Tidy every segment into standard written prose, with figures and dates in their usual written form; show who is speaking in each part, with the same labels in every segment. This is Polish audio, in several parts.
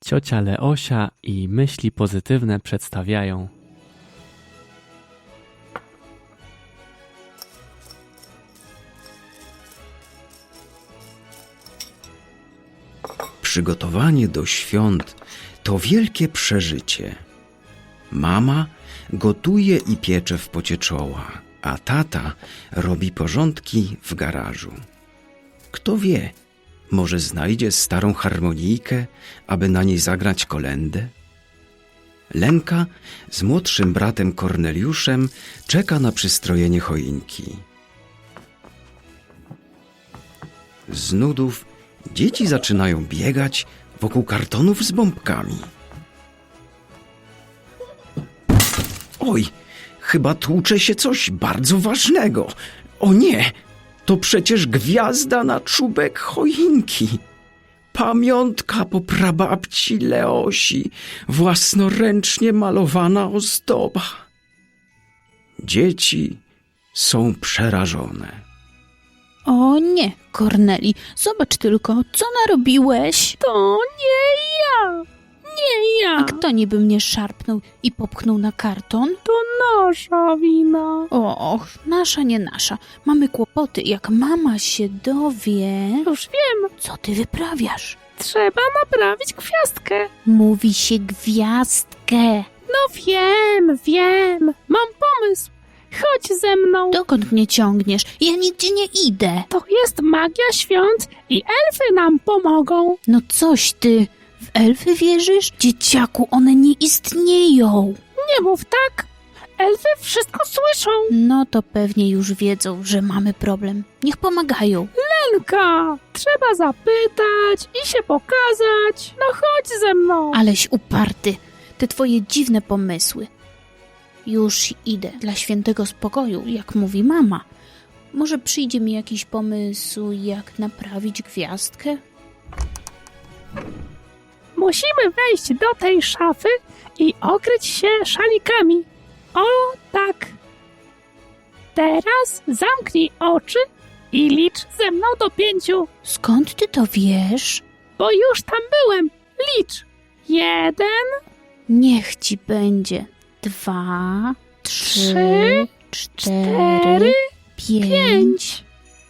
Speaker 1: Ciocia Leosia i myśli pozytywne przedstawiają.
Speaker 2: Przygotowanie do świąt to wielkie przeżycie. Mama gotuje i piecze w pocie czoła, a tata robi porządki w garażu. Kto wie, może znajdzie starą harmonijkę, aby na niej zagrać kolędę? Lenka z młodszym bratem Korneliuszem czeka na przystrojenie choinki. Z nudów dzieci zaczynają biegać wokół kartonów z bombkami. Oj, chyba tłucze się coś bardzo ważnego. O nie, to przecież gwiazda na czubek choinki. Pamiątka po prababci Leosi, własnoręcznie malowana ozdoba. Dzieci są przerażone.
Speaker 3: O nie, Korneli, zobacz tylko, co narobiłeś?
Speaker 4: To nie ja! Nie ja!
Speaker 3: A kto niby mnie szarpnął i popchnął na karton?
Speaker 4: To nasza wina.
Speaker 3: Och, nasza, nie nasza. Mamy kłopoty, jak mama się dowie.
Speaker 4: Już wiem,
Speaker 3: Co ty wyprawiasz?
Speaker 4: trzeba naprawić gwiazdkę.
Speaker 3: Mówi się gwiazdkę.
Speaker 4: No wiem. Mam pomysł. Chodź ze mną.
Speaker 3: Dokąd mnie ciągniesz? Ja nigdzie nie idę.
Speaker 4: To jest magia świąt i elfy nam pomogą.
Speaker 3: No coś ty, w elfy wierzysz? Dzieciaku, one nie istnieją.
Speaker 4: Nie mów tak. Elfy wszystko słyszą.
Speaker 3: No to pewnie już wiedzą, że mamy problem. Niech pomagają.
Speaker 4: Lenka, trzeba zapytać i się pokazać. No chodź ze mną.
Speaker 3: Aleś uparty, te twoje dziwne pomysły. Już idę dla świętego spokoju, jak mówi mama. Może przyjdzie mi jakiś pomysł, jak naprawić gwiazdkę?
Speaker 4: Musimy wejść do tej szafy i okryć się szalikami. O, tak. Teraz zamknij oczy i licz ze mną do 5,
Speaker 3: Skąd ty to wiesz?
Speaker 4: bo już tam byłem. Licz. 1,
Speaker 3: Niech ci będzie 2, 3,
Speaker 4: 3,
Speaker 3: 4, 5.
Speaker 4: 5.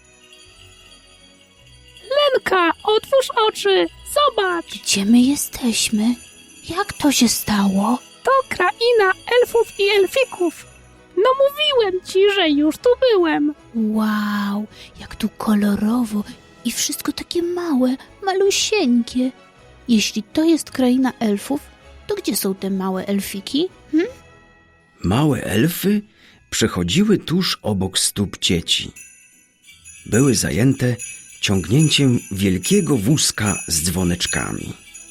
Speaker 4: Lenka, otwórz oczy. Zobacz.
Speaker 3: Gdzie my jesteśmy? Jak to się stało?
Speaker 4: To kraina elfów i elfików. No mówiłem ci, że już tu byłem.
Speaker 3: Wow, jak tu kolorowo i wszystko takie małe, malusieńkie. Jeśli to jest kraina elfów, to gdzie są te małe elfiki?
Speaker 2: Małe elfy przechodziły tuż obok stóp dzieci. Były zajęte ciągnięciem wielkiego wózka z dzwoneczkami.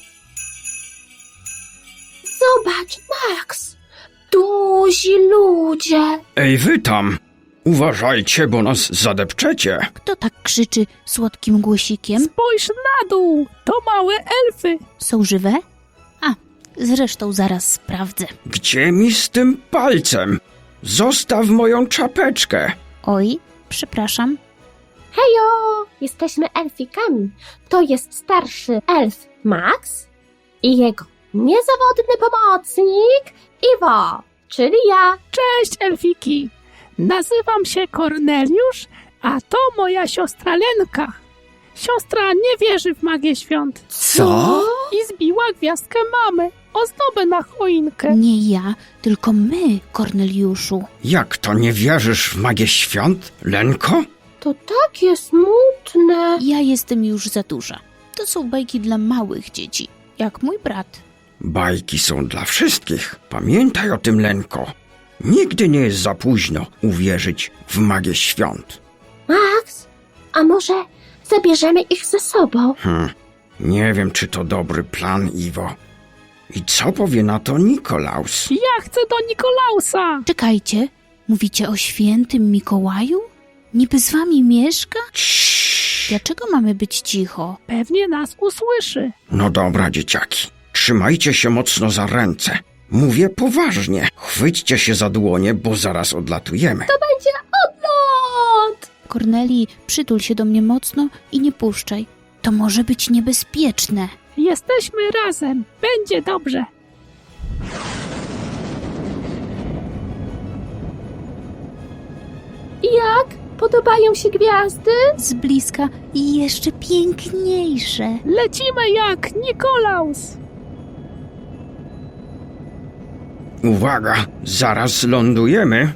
Speaker 5: Zobacz, Max! Duzi ludzie!
Speaker 2: Ej, wy tam! Uważajcie, bo nas zadepczecie!
Speaker 3: Kto tak krzyczy słodkim głosikiem?
Speaker 4: Spójrz na dół. To małe elfy.
Speaker 3: Są żywe? A, zresztą zaraz sprawdzę.
Speaker 2: Gdzie mi z tym palcem? Zostaw moją czapeczkę!
Speaker 3: Oj, przepraszam.
Speaker 5: Hejo! Jesteśmy elfikami. To jest starszy elf Max i jego niezawodny pomocnik Iwo, czyli ja.
Speaker 4: Cześć, elfiki. Nazywam się Korneliusz, a to moja siostra Lenka. Siostra nie wierzy w magię świąt
Speaker 2: Co?
Speaker 4: i zbiła gwiazdkę mamy, ozdobę na choinkę.
Speaker 3: Nie ja, tylko my, Korneliuszu.
Speaker 2: Jak to nie wierzysz w magię świąt, Lenko?
Speaker 5: To takie smutne.
Speaker 3: Ja jestem już za duża. To są bajki dla małych dzieci, jak mój brat.
Speaker 2: Bajki są dla wszystkich. Pamiętaj o tym, Lenko. Nigdy nie jest za późno uwierzyć w magię świąt.
Speaker 5: Max, a może zabierzemy ich ze sobą?
Speaker 2: Nie wiem, czy to dobry plan, Iwo. I co powie na to Nikolaus?
Speaker 4: Ja chcę do Nikolausa.
Speaker 3: Czekajcie, mówicie o świętym Mikołaju? Niby z wami mieszka?
Speaker 2: Ciii.
Speaker 3: Dlaczego mamy być cicho?
Speaker 4: Pewnie nas usłyszy.
Speaker 2: No dobra, dzieciaki. Trzymajcie się mocno za ręce. Mówię poważnie. Chwyćcie się za dłonie, bo zaraz odlatujemy.
Speaker 5: Będzie odlot!
Speaker 3: Korneli, przytul się do mnie mocno i nie puszczaj. To może być niebezpieczne.
Speaker 4: Jesteśmy razem. Będzie dobrze.
Speaker 5: Jak? Podobają się gwiazdy?
Speaker 3: Z bliska i jeszcze piękniejsze.
Speaker 4: Lecimy jak Nikolaus.
Speaker 2: Uwaga, zaraz lądujemy.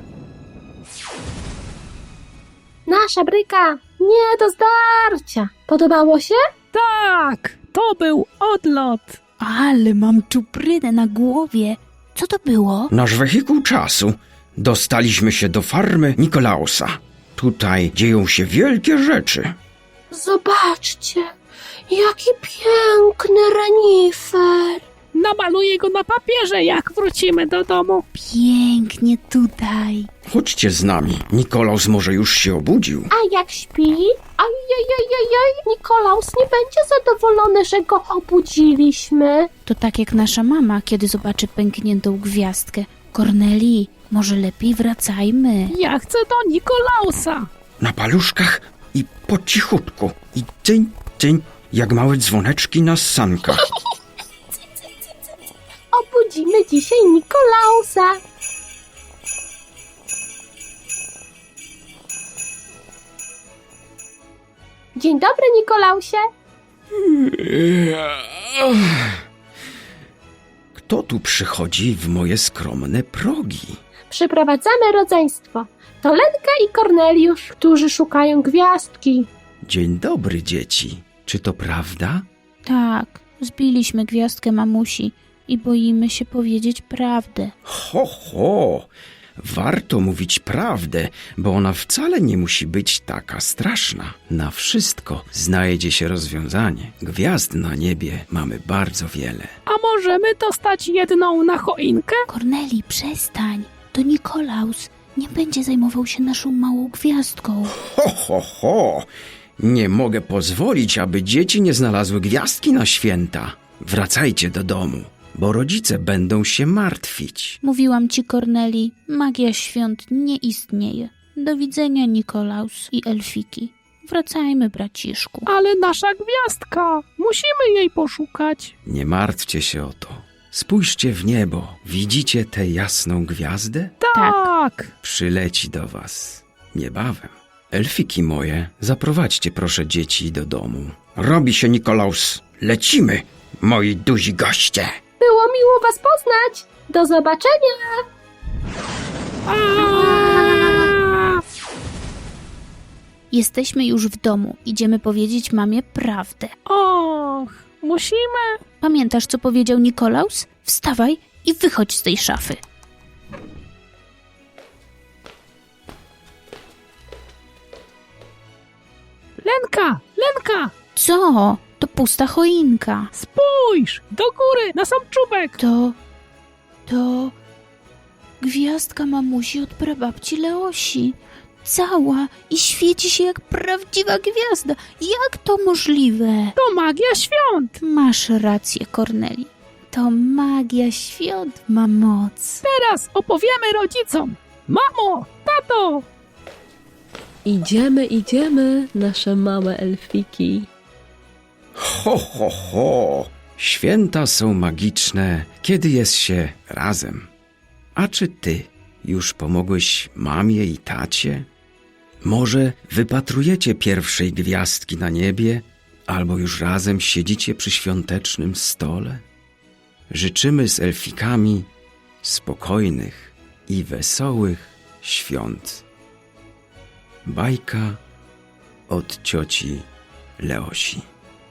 Speaker 5: Nasza bryka nie do zdarcia. Podobało się?
Speaker 4: Tak, to był odlot.
Speaker 3: Ale mam czuprynę na głowie. Co to było?
Speaker 2: Nasz wehikuł czasu. Dostaliśmy się do farmy Nikolausa. Tutaj dzieją się wielkie rzeczy.
Speaker 5: Zobaczcie, jaki piękny renifer.
Speaker 4: Namaluję go na papierze, jak wrócimy do domu.
Speaker 3: Pięknie tutaj.
Speaker 2: Chodźcie z nami. Nikolaus może już się obudził.
Speaker 5: A jak śpi? Ajajajajaj, Nikolaus nie będzie zadowolony, że go obudziliśmy.
Speaker 3: To tak jak nasza mama, kiedy zobaczy pękniętą gwiazdkę. Korneli, może lepiej wracajmy.
Speaker 4: Ja chcę do Nikolausa.
Speaker 2: Na paluszkach i po cichutku. I cyń, cyń, jak małe dzwoneczki na sankach.
Speaker 5: Obudzimy dzisiaj Nikolausa. Dzień dobry, Nikolausie.
Speaker 2: Kto tu przychodzi w moje skromne progi?
Speaker 5: Przyprowadzamy rodzeństwo. To Lenka i Korneliusz, którzy szukają gwiazdki.
Speaker 2: Dzień dobry, dzieci. Czy to prawda?
Speaker 3: Tak, zbiliśmy gwiazdkę mamusi i boimy się powiedzieć prawdę.
Speaker 2: Ho, ho! Warto mówić prawdę, bo ona wcale nie musi być taka straszna. Na wszystko znajdzie się rozwiązanie. Gwiazd na niebie mamy bardzo wiele.
Speaker 4: A możemy dostać jedną na choinkę?
Speaker 3: Korneli, przestań. To Nikolaus nie będzie zajmował się naszą małą gwiazdką.
Speaker 2: Ho, ho, ho! Nie mogę pozwolić, aby dzieci nie znalazły gwiazdki na święta. Wracajcie do domu, bo rodzice będą się martwić.
Speaker 3: Mówiłam ci, Korneli, magia świąt nie istnieje. Do widzenia, Nikolaus i Elfiki. Wracajmy, braciszku.
Speaker 4: Ale nasza gwiazdka. Musimy jej poszukać.
Speaker 2: Nie martwcie się o to. Spójrzcie w niebo. Widzicie tę jasną gwiazdę?
Speaker 4: Tak.
Speaker 2: Przyleci do was niebawem. Elfiki moje, zaprowadźcie proszę dzieci do domu. Robi się, Nikolaus. Lecimy, moi duzi goście.
Speaker 5: Było miło was poznać. Do zobaczenia.
Speaker 4: A!
Speaker 3: Jesteśmy już w domu. Idziemy powiedzieć mamie prawdę.
Speaker 4: Och, musimy.
Speaker 3: Pamiętasz, co powiedział Nikolaus? Wstawaj i wychodź z tej szafy.
Speaker 4: Lenka,
Speaker 3: Co? To pusta choinka.
Speaker 4: spójrz, do góry, na sam czubek.
Speaker 3: To gwiazdka mamusi od prababci Leosi. Cała i świeci się jak prawdziwa gwiazda. Jak to możliwe?
Speaker 4: To magia świąt.
Speaker 3: Masz rację, Korneli. To magia świąt ma moc.
Speaker 4: Teraz opowiemy rodzicom. Mamo, tato,
Speaker 6: Idziemy, nasze małe elfiki.
Speaker 2: Ho, ho, ho! Święta są magiczne, kiedy jest się razem. A czy ty już pomogłeś mamie i tacie? Może wypatrujecie pierwszej gwiazdki na niebie, albo już razem siedzicie przy świątecznym stole? Życzymy z elfikami spokojnych i wesołych świąt. Bajka od cioci Leosi.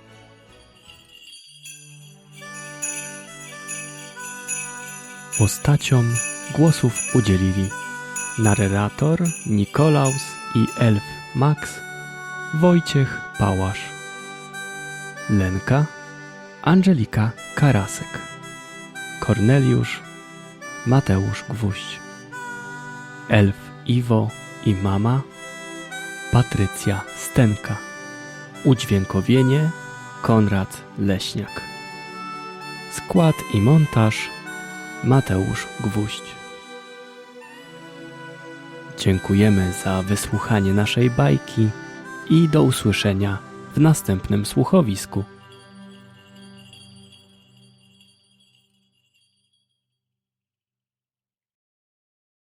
Speaker 1: Postaciom głosów udzielili narrator Nikolaus i elf Max, Wojciech Pałasz, Lenka Angelika Karasek, Korneliusz Mateusz Gwóźdź, elf Iwo i mama Patrycja Stenka, udźwiękowienie Konrad Leśniak, skład i montaż Mateusz Gwóźdź. Dziękujemy za wysłuchanie naszej bajki i do usłyszenia w następnym słuchowisku.